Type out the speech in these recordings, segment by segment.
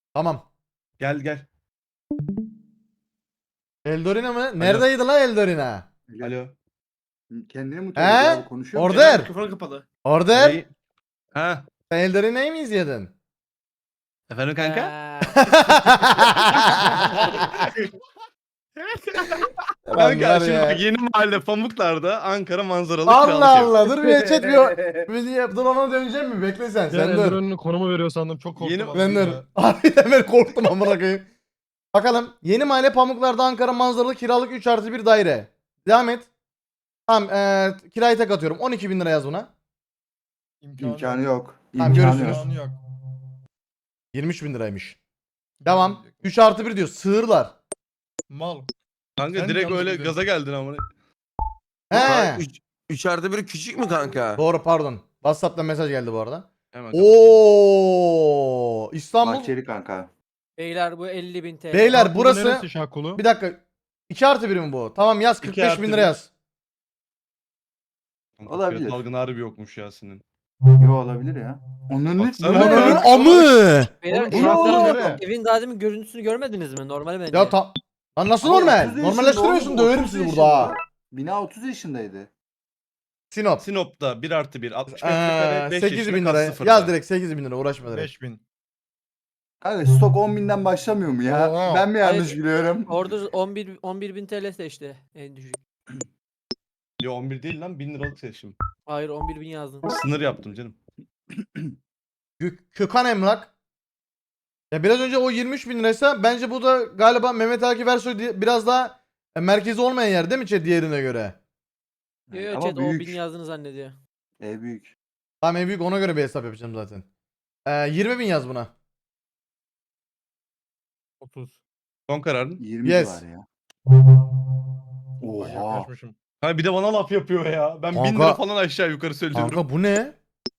Tamam. Gel gel. Eldorina mı? Neredeydi lan Eldorina? Alo. Kendini mutlu ediyor He? abi, konuşuyor mu? Order. Mikrofonu kapalı. Order. Neyi? Ha. Sen Eldorina'yı mı izledin? Efendim kanka? Lan Kanka var şimdi ya. bak, yeni mahalle Pamuklar'da Ankara manzaralı Allah kiralık ev. Allah dur bir chat bir dur ona döneceğim mi? Bekle sen Sen dur. Eldiren'in konumu veriyor sandım. Çok korktum. Yeni- abi Ben dur. ya. Harbiden ben korktum amına koyayım. Bakalım. Yeni mahalle Pamuklar'da Ankara manzaralı kiralık 3+1 daire. Devam et. Tamam kirayı tek atıyorum. 12.000 lira yaz buna. İmkanı yok. Tamam, İmkanı görüşürüz. yok. İmkanı yok. 23.000 liraymış. Devam. 3+1 diyor. Sığırlar. Mal. Kanka Sen direkt yanlış öyle biliyorsun. gaza geldin ama. He. 3+1 küçük mü kanka? Doğru pardon. WhatsApp'tan mesaj geldi bu arada. Hemen Oo İstanbul. Bahçeli kanka. Beyler bu 50.000 TL. Beyler Şakulu burası. neresi Şakulu? Bir dakika. 2+1 mi bu? Tamam yaz 45.000 lira 2+1. yaz. Kanka, Olabilir. fiyat algın harbi yokmuş ya senin. Yo, olabilir ya. Onun Baksana. ne? Ananın ya? amı. Beyler Oğlum, oğlum. evin daha demin görüntüsünü görmediniz mi? Normali bence. Ya lan nasıl Ama normal? 30 yaşında Normalleştiriyorsun oğlum, döverim 30 sizi yaşında. burada ha. Bina 30 yaşındaydı. Sinop. Sinop'ta 1+1 60 metrekare 5 8.000 lira. sıfırda. Yaz direkt 8.000 lira uğraşma direkt. 5000. Kanka stok 10.000'den başlamıyor mu ya? Oo. Ben mi yanlış Hayır. biliyorum? Orada 11.000 TL seçti en düşük. Yo 11 değil lan 1000 liralık seçim. Hayır 11.000 yazdın. Sınır yaptım canım. Kökan Emlak. Ya biraz önce o 23.000 liraysa bence bu da galiba Mehmet Akif Ersoy biraz daha merkezi olmayan yer değil mi chat diğerine göre? Yo yo Ama chat büyük. 10.000 yazdığını zannediyor. Ev büyük. Tamam en büyük ona göre bir hesap yapacağım zaten. 20.000 yaz buna. 30. Son kararın. 20 Yes. var ya. Bak Oha. yaklaşmışım. Ha bir de bana laf yapıyor ya. Ben 1000 Kanka- lira falan aşağı yukarı söylüyorum. Kanka bu ne?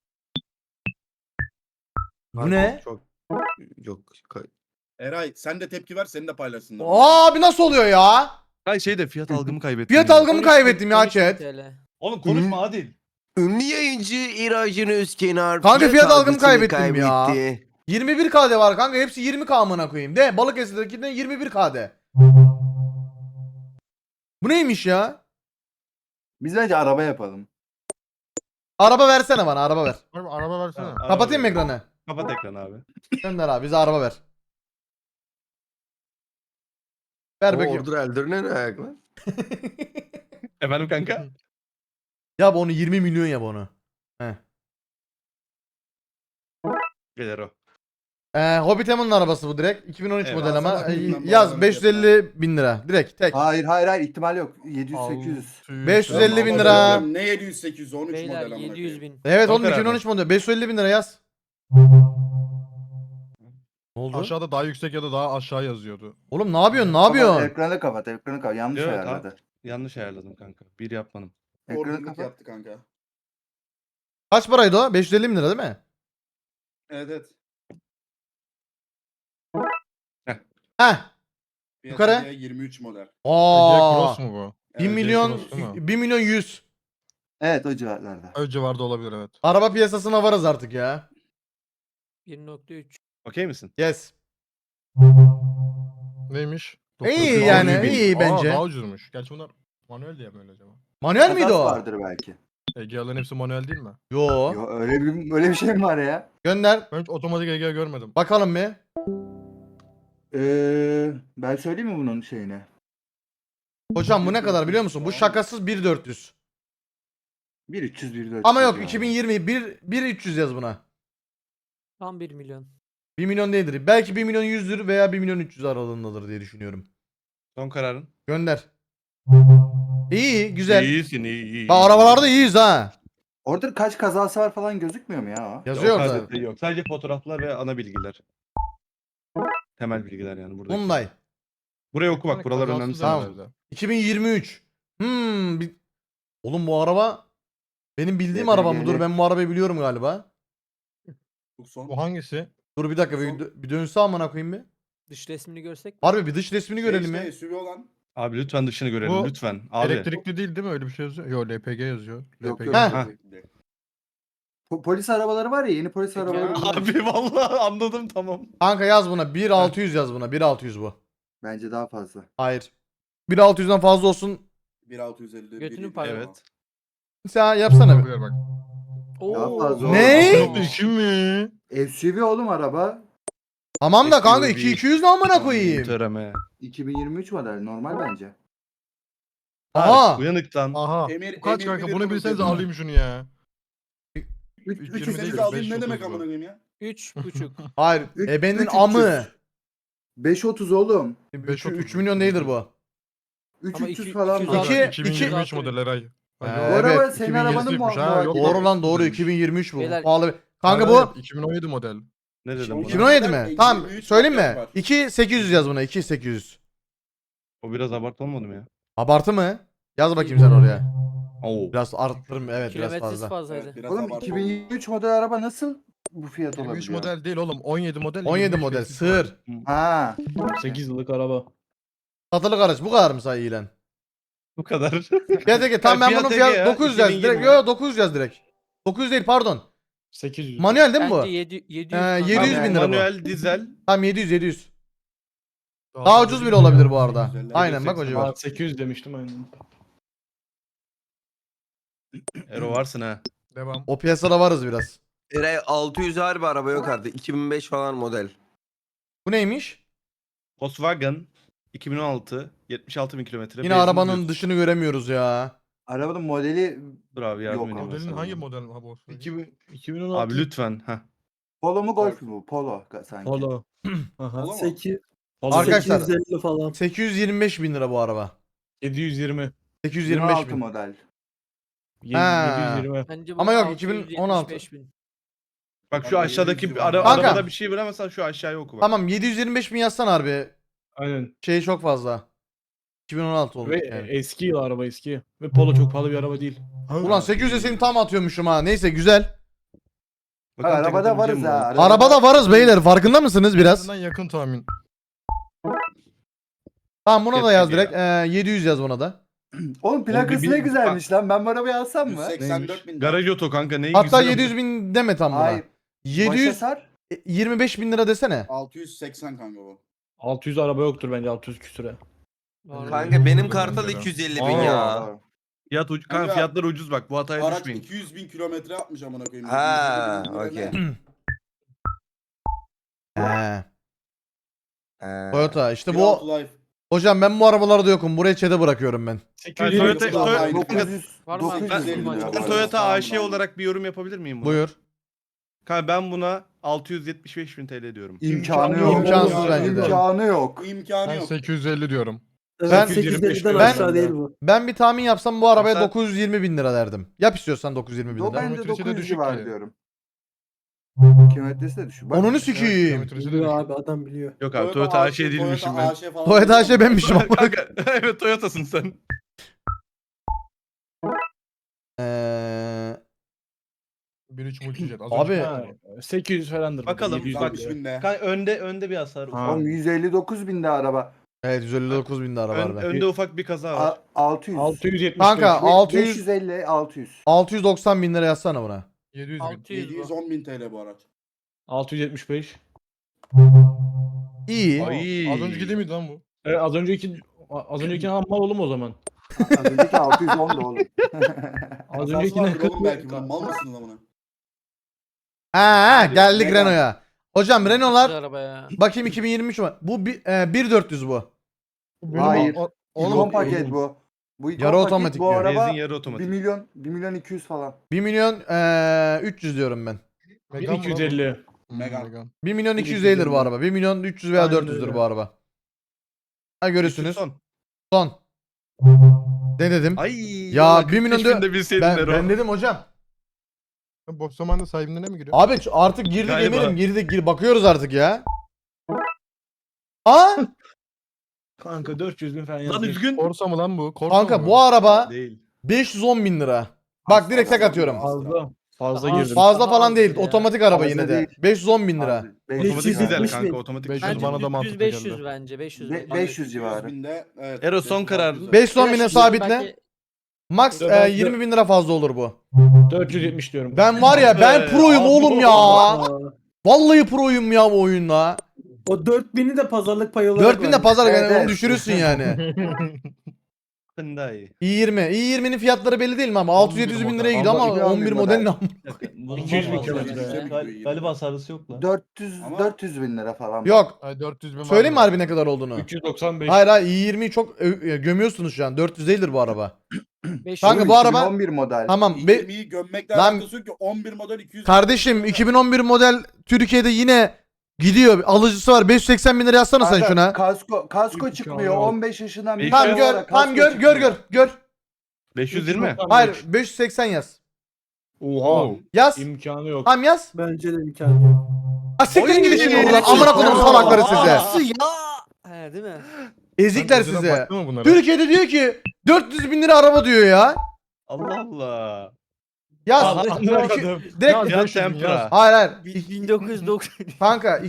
Bu ne? Çok yok. Eray sen de tepki ver seni de paylaşsınlar. Abi nasıl oluyor ya? Hayır şeyde fiyat algımı kaybettim. Fiyat ya. algımı kaybettim ya 13.000 chat. TL. Oğlum konuşma Adil. Ünlü yayıncı İracın Özkenar. Kanka fiyat algımı algısını kaybettim ya. kaybetti. 21 KD var kanka hepsi 20 K amına koyayım. De Balıkesir'dekinden 21 KD. Bu neymiş ya? Biz bence araba yapalım. Araba versene bana araba ver. Harbi araba versene. Ha, Kapatayım mı araba ver. ekranı? Kapat ekranı abi. Gönder abi bize araba ver. Ver O bakayım. Order Elder'ine ne ayak lan? Efendim kanka? Yap onu 20 milyon yap onu. Heh. Gelir o. Hobbit Emon'un arabası bu direkt. 2013 Evet. model ama. Baksana bilmem bu Yaz arabanın 550 bin lira. Direkt tek. Hayır ihtimal yok. 700-800. 550 bin Ama lira. diyorum, Ne 700 800 13 Beyler model amına 700.000. Evet Son oğlum karar 2013 model. 550 bin lira yaz. Ne oldu? Aşağıda daha yüksek ya da daha aşağı yazıyordu. Oğlum ne yapıyorsun? Ne yapıyorsun? Ekranı kapat. Yanlış Evet, ayarladı. Yanlış ayarladım kanka. Bir yapmadım. Ekranı Orgunluk kapat. yaptı kanka. Kaç paraydı o? 550 bin lira değil mi? Evet evet. Heh. Yukarı. Piyasaya 23 model. Ege Aa. Cross mu bu? 1 Evet, milyon Cross değil mi? 1 milyon 100. Evet, o civarlarda. O civarda olabilir evet. Araba piyasasına varız artık ya. 1.3. Okey misin? Yes. Neymiş? İyi 900 yani, bin. iyi bence. Daha ucuzmuş. Gerçi bunlar manuel diye mi öyle acaba? Manuel miydi Takas o? vardır belki. Ege'lerin hepsi manuel değil mi? Yo. Yo, öyle bir şey mi var ya? Gönder. Ben hiç otomatik Ege görmedim. Bakalım bir. Ben söyleyeyim mi bunun şeyini? Hocam bu ne kadar biliyor musun? Bu şakasız 1.400. 1.300 1.400. Ama yok yani. 2020 1.300 yaz buna. Tam 1 milyon. 1 milyon değildir. Belki 1 milyon 100'dür veya 1 milyon 300 aralığındadır diye düşünüyorum. Son kararın. Gönder. İyi, güzel. İyisin iyi. Bak arabalarda iyiyiz ha. Orada kaç kazası var falan gözükmüyor mu ya o? Yazıyor Yok, orada. yok. Sadece fotoğraflar ve ana bilgiler. Temel bilgiler yani burada. Hyundai. Buraya oku bak buralar Kazasız önemli. Tamam. herhalde. 2023. Oğlum bu araba benim bildiğim Evet, araba mı? evet. Dur ben bu arabayı biliyorum galiba. Bu son. Bu hangisi? Dur bir dakika bir dönse amına koyayım bir. Dış resmini görsek. Harbi bir dış resmini görelim işte, ya. SUV olan. Abi lütfen dışını görelim Bu lütfen. Abi. Elektrikli değil mi? Öyle bir şey yazıyor. Yo LPG yazıyor. Yok, LPG. yok. Ha. Polis arabaları var ya, yeni polis Peki arabaları. abi. Abi vallahi anladım tamam. Kanka yaz buna 1600 yaz buna 1600 bu. Bence daha fazla. Hayır. 1600'den fazla olsun. 1650. Götünü paylaş. Evet. Sen yapsana bir. Olabilir bak. Daha Oo. fazla. Ne? oğlum. 2 mi? SUV oğlum araba. Tamam da kanka SUV. 2200 ne amına koyayım. Töreme. 2023 model normal bence. Aha. Uyanıktan. Aha. Emir- Bu kaç Emir kanka? bilir Bunu bunu bilseniz diyor. alayım şunu ya. 300 20 değil, Seni alayım ne 530 demek bu. amına koyayım ya? 3,5. Hayır. Üç- Ebenin 300. amı. 530 oğlum. 3 milyon değildir bu. 300 falan. iki- var. İki- 2023 model Eray. Ee, Bu araba evet, senin 2020 arabanın ymış ha, muhabbeti. yok. Doğru lan doğru 2023. 2023 bu. Beyler- Pahalı. Kanka Hayır, bu 2017 model. Ne dedim buna? 2017 mi? Model Tamam 23 söyleyeyim model mi? var. 2800 yaz buna 2800. O biraz abartı olmadı mı ya? Abartı mı? Yaz bakayım sen oraya. Oo. Biraz arttırım evet biraz Kilometresi fazla. fazlaydı. Evet, biraz Oğlum abartı 2023 model araba nasıl bu fiyat 23 olabiliyor? model değil oğlum. 17 model. 17 23 model tesis sığır. var. Ha. 8 yıllık araba. Satılık araç bu kadar mı say ilan? Bu kadar. Fiyat Ege tamam ben Fiyat bunun Ege fiyat ya, 900 yaz 2020 direkt. Yo 900 yaz direkt. 900 değil pardon. 800. Manuel değil mi bu? Bence 700 700 bin lira bu. Manuel, dizel. Tamam 700. Daha ucuz bile olabilir bu arada. 750, Aynen bak o civar. Aa, 800 demiştim aynen. Ero varsın ha. Devam. O piyasada varız biraz. Eray 600 harbi araba yok artık. 2005 falan model. Bu neymiş? Volkswagen 2016 76 bin kilometre. Yine benzin arabanın düz. dışını göremiyoruz ya. Arabanın modeli Dur abi yardım Yok edeyim. abi. ben Modelin sana. hangi model ha bu? 2016. Abi lütfen. Heh. Polo mu Golf mu? Polo sanki. Polo. Aha. Polo mu? 8. Arkadaşlar 850 falan. 825 bin lira bu araba. 720. 825 26 bin. model. Ha. 720. Bence bu Ama yok, 675 2016. bin. Bak şu Abi, aşağıdaki 700 ara, var. Kanka. arabada bir şey bilemezsen şu aşağıya oku bak. Tamam 725 bin yazsan harbi. Aynen. Şey çok fazla. 2016 olmuş Ve yani. eski yıl araba eski. Ve Polo çok pahalı bir araba değil. Ulan 800'e seni tam atıyormuşum ha. Neyse güzel. Bakalım Arabada tek varız atabileceğim ha. mi? Arabada varız beyler. Farkında mısınız biraz? Birazdan yakın tahmin. Tamam buna da Fiyat yaz gibi direkt. 700 yaz buna da. Oğlum plakası bir- ne güzelmiş lan. Ben bu arabayı alsam mı? 184 bin lira. Garaj oto kanka neyi Hatta güzel 700 bin deme tam buna. Hayır. Başa 700 sar. 25 bin lira desene. 680 kanka bu. 600 araba yoktur bence 600 küsüre. Var. Kanka benim Aa. kartal 250 bin Aa. ya. Fiyat kanka Kanka, fiyatlar ucuz bak bu hataya Araç düşmeyin. 200 bin kilometre yapmış amına koyayım. Ha, 150 bin lira okey. ne? He. Ee, Toyota işte Beyond bu. Life. Hocam ben bu arabalarda yokum. Buraya çete bırakıyorum ben. 800 Toyota- araba. Toyota- 900. Var mı abi? 900 bin Ben- lira. Ben var. Toyota Tamam, AŞ tamam. olarak bir yorum yapabilir miyim buna? Buyur. Kanka ben buna 675 bin TL diyorum. İmkanı yok. İmkansız bence de. İmkanı yok. Bu imkanı Ben yok. 850 diyorum. Ben- 850'den Ben- aşağı değil bu. Ben bir tahmin yapsam bu arabaya Sen- 920 bin lira derdim. Yap istiyorsan 920 bin O lira. bence Kilometresi de 900 düşük civarı ki. diyorum. Kilometresi de düşük. Bak, Onunu sikiyim. Kilometresi de Biliyor düşük. abi adam biliyor. Yok abi Toyota AŞ değilmişim ben. AŞ falan Toyota değil AŞ mi? benmişim ama. Kanka evet Toyota'sın sen. Eee 1.3 multijet. Az Abi- önce Ha, 800 falandır. Bakalım, 700 bak 60 diyor. binde. Kanka önde bir hasar var. Ha. Oğlum 159 binde araba. Evet 159 bin lira var be. Önde ufak bir kaza var. 600. 675. Kanka 600 550 600. 690 bin lira yazsana buna. 700 bin. 600 bu. 710 bin TL bu araç. 675. İyi. Ay. Az önceki değil miydi lan bu? Evet, az önceki hammal oğlum o zaman. Az önceki 610 da oğlum. Az Kasası öncekine vardır 40 oğlum belki bunun. Mal mısın lan buna? Ha geldik Megane. Renault'a. Hocam Renault'lar Güzel araba ya. bakayım 2023 mü? Bu 1400 bu. Hayır. Oğlum, İkon paket bu. Bu ikon Yarı paket, otomatik bu diyor. araba Benzin yarı 1 otomatik. milyon 1 milyon 200 falan. 1 milyon 300 diyorum ben. Megane mi lan bu? 250. Megane. Megane. 1 milyon 200 değildir bu araba. 1 milyon 300 veya Aynen 400'dür öyle. bu araba. Ha görürsünüz. Son. Son. Ne dedim? Ay. Ya, vallahi 1 milyon 45 de- bin de bilseydin Ben, Ero. ben dedim hocam. Sen boş zamanda sahibinden mi giriyor? Abi artık girdik Galiba. eminim girdik bakıyoruz artık ya. Aa Kanka 400 bin falan Lan yazıyor. üzgün. Corsa mı lan bu? Corsa kanka mı? bu araba Değil. 510 bin lira. Bak direkt tek atıyorum. Fazla. Fazla Daha girdim. Fazla Daha falan az değil. ya. Otomatik araba Fazla yine de. değil. 510 bin lira. Abi, Otomatik 500 güzel bin. kanka otomatik. 500 Bence bana da mantıklı 500 geldi. bence 500. Be- 500 civarı. Binde, evet, Ero son 500, kararın. 600. 510 bine Belki sabitle. Max Dört- 20 bin lira fazla olur bu. 470 diyorum. Ben var ya ben proyum Abi, oğlum ya. Vallahi proyum ya bu oyunda. O 4000'i de pazarlık payı olarak 4000 de pazar Evet, yani onu evet. düşürürsün yani. Hyundai. i20'nin fiyatları belli değil mi ama 600-700 bin liraya gidiyor ama Allah, 11 model ne? 200 bin Vallahi kilometre. yüksek bir Galiba sarısı yok lan. 400 Ama- 400 bin lira falan. Yok. Ay 400 bin Söyleyeyim mi harbi ne kadar olduğunu? 395. Hayır hayır i20'yi çok gömüyorsunuz şu an. 400 değildir bu araba. 500. Kanka bu araba 11 model. tamam. 20'yi gömmekle Lan- alakası yok ki 11 model 200. Kardeşim 2011 model Türkiye'de yine gidiyor. Alıcısı var. 580 bin lira yazsana sen Kanka, şuna. Kasko İmkanı çıkmıyor. yok. 15 yaşından bir Tamam çocuk gör. olarak Tamam kasko gör çıkmıyor. gör. 520. Hayır 580 yaz. Oha. Yaz. İmkanı yok. Tamam yaz. Bence de imkanı yok. Ha siktirin gidin şimdi buradan. Oy. Amına kodum salakları size. Nasıl ya? He değil mi? Ezikler Sen önceden size. baktın mı bunlara? Türkiye'de diyor ki 400 bin lira araba diyor ya. Allah Allah. Yaz. Anladım. Direkt. Ya 500 bin Tempra. yaz. Hayır hayır. 1990. Kanka Hayır,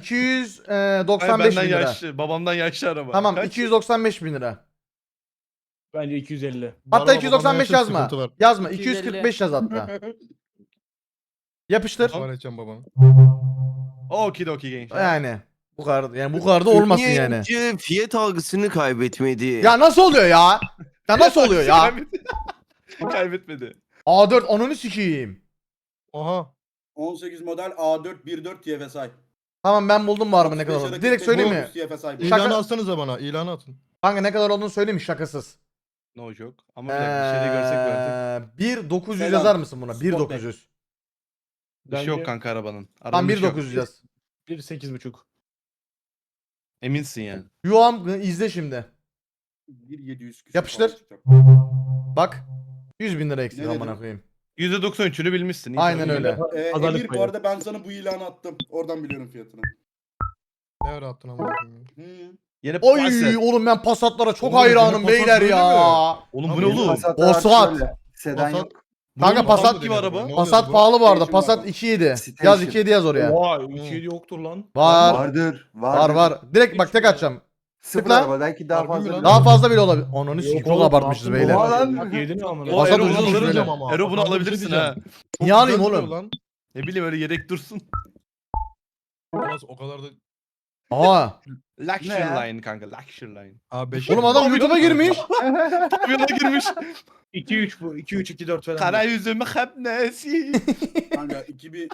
295 benden bin lira. yaşlı. Babamdan yaşlı araba. Tamam Kaç? 295 bin lira. Bence 250. Bu Hatta araba 295 babamda yazma. sıkıntı var. Yazma 250. 245 yaz hatta. Yapıştır. Var edeceğim babam. Okidoki gençler. Yani bu kadar da olmasın Niye yani. önce fiyat algısını kaybetmedi? Ya nasıl oluyor ya? Ya nasıl oluyor ya? Kaybetmedi. Kaybetmedi. A4 ananı sikeyim. Oha. 18 model A4 1.4 TFSI. Tamam ben buldum bu araba ne kadar olduğunu. Direkt söyleyeyim mi? TFSI. Şaka- İlanı atsanıza bana. İlanı atın. Kanka ne kadar olduğunu söyleyeyim mi? Şakasız. No joke. Ama bir dakika bir şeyde görsek verdik. 1900 Selam. yazar mısın buna? Sportback. 1900. Bir şey yok kanka arabanın. Tam Arabanın bir şey yok. 1900 yaz. 1.8.5. Eminsin yani. Yuvam izle şimdi. 1.700 küsur Yapıştır. falan çıkacak. Bak. 100 bin lira eksik Ne amına dedim? koyayım. %93'ünü bilmişsin. İyi Aynen tabii. öyle. Pazarlık Emir bu payı. arada ben sana bu ilanı attım. Oradan biliyorum fiyatını. Ne ara attın ama. Yine Oy Passat. oğlum ben Passat'lara çok Oğlum, hayranım yine beyler Passat ya. Oğlum bu Abi, ne oğlum? Passatlar Passat. şöyle, Sedan Passat- yok. Kanka Bu Passat adam gibi da araba. ne oluyor Passat bu? pahalı bu arada. Station Passat var. 2.7. Station. Yaz 2.7 yaz oraya. Oha 2.7 yoktur lan. Var. Vardır. Var var. Direkt bak tek atacağım. Sıfır Tıkla. araba belki daha Harbi mi fazla. lan? Daha fazla bile olabilir. Ananı Yok sikeyim çok oğlum, abartmışız ne yaptın beyler. Oha lan. Bak yedin amına. Passat Ero ucuz bunu düşmedi. alırım. ama. Ero bunu Passat'ı alabilirsin bir şey ha. Çok Niye alayım güzel oğlum? duruyor lan. Ne bileyim öyle yedek dursun. Olmaz, o kadar da. Aa. Luxury Ne ya? line kanka. Luxury line. A5. Oğlum adam YouTube'a girmiş. Pavyona girmiş. 2-3 bu. 2-3-2-4 falan. Kara yüzümü hep nesi. Kanka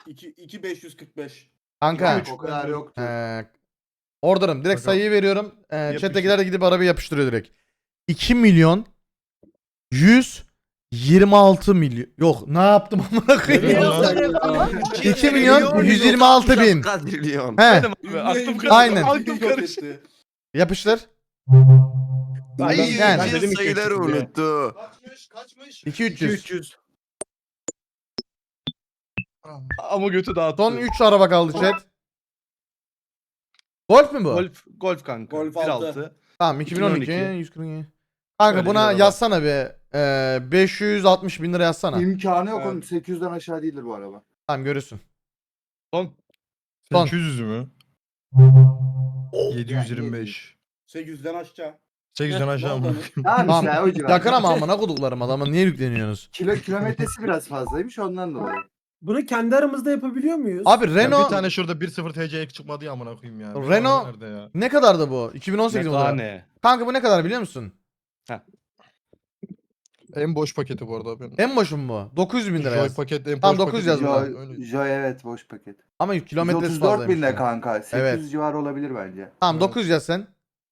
2545. Kanka. O kadar yoktu. Order'ım. Direkt Bakalım. sayıyı veriyorum. Yapıştır. Chat'tekiler de gidip arabayı yapıştırıyor direkt. 2 milyon 126 milyon. Yok ne yaptım amına koyayım. 2 milyon 126 bin. Kadrilyon. He. Abi, aklım karıştı. Aynen. Aklım karıştı. Yapıştır. Ay Yani. yani. dedim sayıları 200 diye. unuttu. Kaçmış? 2300. Ama götü dağıttı. Son 3 araba kaldı chat. Golf mü bu? Golf kanka. Golf 1.6. Tamam 2012 2012. 142. Kanka Öyle buna bir araba. yazsana bir 560 bin lira yazsana. İmkanı yok Evet. onun. 800'den aşağı değildir bu araba. Tamam görürsün. Son. Son. 800 mü? 725. 800'den aşağı. 800'den aşağı mı? Tamam Tamam. işte o civar. Yakın ama amına koduklarım adama niye yükleniyorsunuz? Kilometresi biraz fazlaymış ondan dolayı. Bunu kendi aramızda yapabiliyor muyuz? Abi Ya Renault bir tane şurada 1.0 TC çıkmadı ya amına koyayım ya. Bir Renault- tane nerede ya? ne kadardı bu? 2018 model. Metane. Kanka bu ne kadar biliyor musun? En boş paketi bu arada. Ben. En boşum bu. 900 bin lira Joy yaz. paket en Tamam, boş 900 paketi. yaz Ya, buna. öyle. Joy evet boş paket. Ama kilometresi 134 fazlaymış. binde ya. kanka. 800 Evet. civarı olabilir bence. Tamam Evet. 900 yaz sen.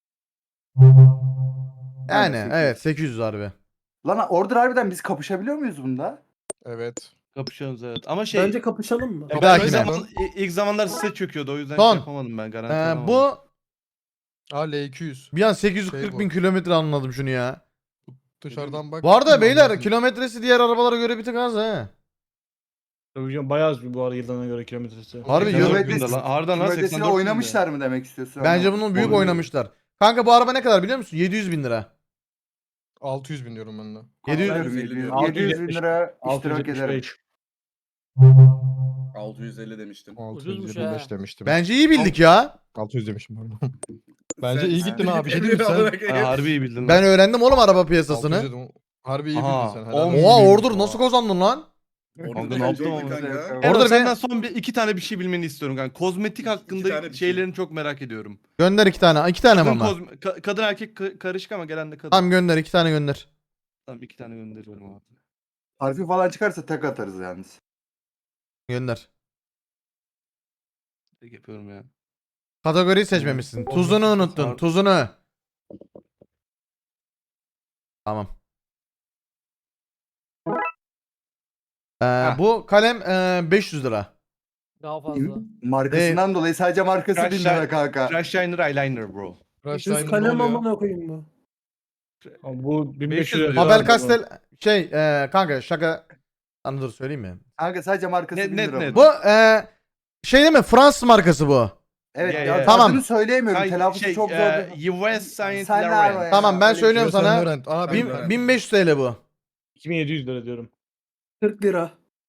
Yani Aynen, evet 800 harbi. Lan order harbiden biz kapışabiliyor muyuz bunda? Evet. Kapışıyoruz evet. Ama şey. Bence kapışalım mı? Ya Belki ilk, de. zaman, ilk zamanlar size çöküyordu o yüzden Son. şey yapamadım ben garanti alamadım. Bu A L200. bir an 840 Şey bin bu. kilometre anladım şunu ya. Dışarıdan bak. Bu arada beyler Anlarsın. kilometresi diğer arabalara göre bir tık az he. Tabii canım bayağı az bu arada yıllarına göre kilometresi. Harbi Kilometre- yıl- Kilometresi- binde lan. Harbiden lan, kilometresini 84 oynamışlar mı demek istiyorsun? Bence bunun büyük Oynuyor. oynamışlar. Kanka bu araba ne kadar biliyor musun? 700 bin lira. 600 bin diyorum ben de. 700 700 bin lira iştirak ederim. 675. 650 demiştim. 625 ha. demiştim. Bence iyi bildik ya. 600 demiştim pardon. Bence iyi gittin abi. Bir şey Emir diyeyim mi amına sen? koyayım. Ha, harbi iyi bildin. Ben lan. öğrendim oğlum araba piyasasını. 600 dedim. Harbi iyi bildin Aha, sen. on- helal olsun. Oha Ordur nasıl kazandın lan? Kanka ne yaptım ama? Kanka. Orada Orada senden bir son iki tane bir şey bilmeni istiyorum kanka. Kozmetik tane hakkında bir şey. şeylerini çok merak ediyorum. gönder 2 tane. 2 tane mi Kadın, ama? kadın erkek karışık ama gelen de kadın. Tamam gönder 2 tane gönder. Tamam 2 tane gönderiyorum abi. Harfi falan çıkarsa tek atarız yalnız. Gönder. Tek yapıyorum ya. Kategoriyi seçmemişsin. Tuzunu unuttun. Tuzunu. Tamam. Bu kalem 500 lira. Daha fazla. Markasından dolayı sadece markası Crash 1000 lira Shine- kanka. Crash Shiner Eyeliner bro. Crash Düz Time ne kalem oluyor? amına koyayım bu. Abi bu 500 1500 lira. lira. Faber Castell şey kanka şaka. Anı dur söyleyeyim mi? Kanka sadece markası Net, 1000 net, lira. net. Bu. Bu şey değil mi? Fransız markası bu. Evet Ya, ya, ya. Tamam. adını söyleyemiyorum. Hayır, Telaffuzu çok zor. US Saint Sen ne Laurent. abi? Tamam ben öyle bir söylüyorum Yves Saint sana. Laurent. Aa, Bin- ben- 1500 TL bu. 2700 lira diyorum. 40 lira.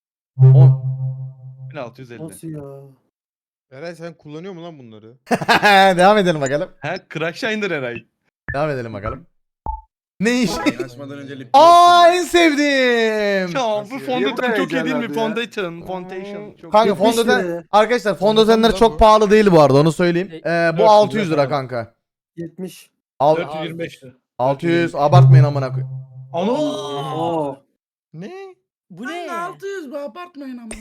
1650. Nasıl ya? Eray sen kullanıyor mu lan bunları? Devam edelim bakalım. Ha Crash Shiner Eray. Devam edelim bakalım. Ne iş? Açmadan önce lip Aa en sevdiğim. Ya bu fondöten Niye bu çok iyi değil mi? heyecanlandı ya? Foundation. Çok Kanka 70 fondöten lira. arkadaşlar fondötenler Tamam, çok bu. pahalı değil bu arada onu söyleyeyim. Bu 400 600 lira lira kanka. 70. 425 lira. 600 abartmayın amına koy. Ana! Oo. Ne? Bu ne? 600 be abartmayın ama.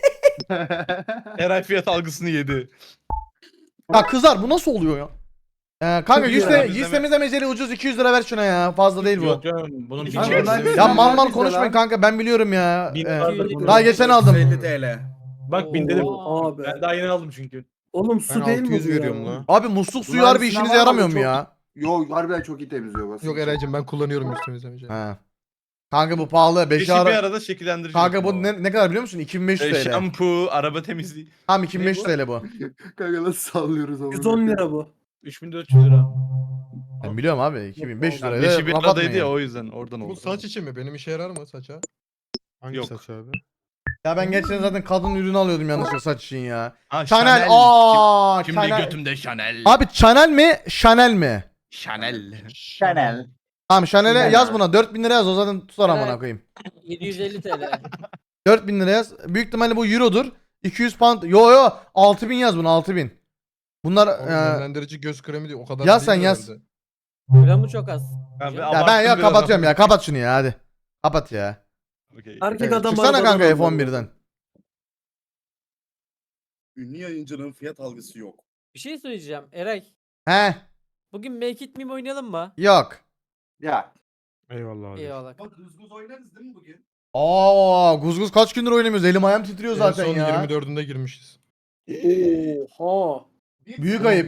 Eray fiyat algısını yedi. Ya kızlar bu nasıl oluyor ya? Kanka Çok iyi ya. yüzlemizde meceli ucuz 200 lira ver şuna ya. Fazla değil bu. Yok canım. Bunun İki bir çek. şey- Ya mal mal Güzel konuşmayın lan. kanka ben biliyorum ya. Bin Ee, vardır bunun. daha geçen aldım. 50 TL. Bak 1000 dedim. Oo. Abi. Ben daha yeni aldım çünkü. Oğlum Ben su değil mi 600 bu veriyorum ya? lan. Abi musluk suyu Bunlar harbi sınav işinize var yaramıyor ama mu çok- ya? Yo harbiden çok iyi temizliyor basın. Yok Eray'cim ben kullanıyorum üst temizlemeci. Ha. Kanka bu pahalı. 5 Beşi bir ara. arada şekillendirici. Kanka bu ne kadar biliyor musun? 2500 TL. Şampu, araba temizliği. Tamam 2500 TL bu. Kanka nasıl sallıyoruz onu? 110 lira bu. 3400 lira. Ben biliyorum abi 2500 liraya Beşi bir laf aradaydı atmayın ya ya. o yüzden oradan Bu oldu. saç için mi? Benim işe yarar mı saça? Hangi Yok. saç abi? Ya ben geçen zaten kadın ürünü alıyordum yanlışlıkla saç için ya. Ha, Chanel. Aa, Şimdi Chanel. götümde Chanel. Abi Chanel mi? Chanel mi? Chanel. Chanel. Tamam Chanel'e Chanel yaz abi. buna 4000 lira yaz o zaten tutar amına Evet. koyayım. 750 TL. 4000 lira yaz. Büyük ihtimalle bu eurodur. 200 pound. Yo 6000 yaz buna 6000. Bunlar Oğlum, nemlendirici göz kremi değil o kadar Yaz değil sen, yaz. herhalde. Gramı çok az. ya ben ya kapatıyorum ya kapat şunu ya hadi. Kapat ya. Erkek adam Çıksana arabadan kanka alıyor. F11'den. Ünlü yayıncının fiyat algısı yok. Bir şey söyleyeceğim. Eray. He Bugün Make It Meme oynayalım mı? yok. Ya. Eyvallah abi. Eyvallah. Bak hızgız oynarız değil mi bugün? Aa Guzguz kaç gündür oynamıyoruz elim ayağım titriyor En zaten son ya. 24'ünde girmişiz. Oha. Büyük ayıp.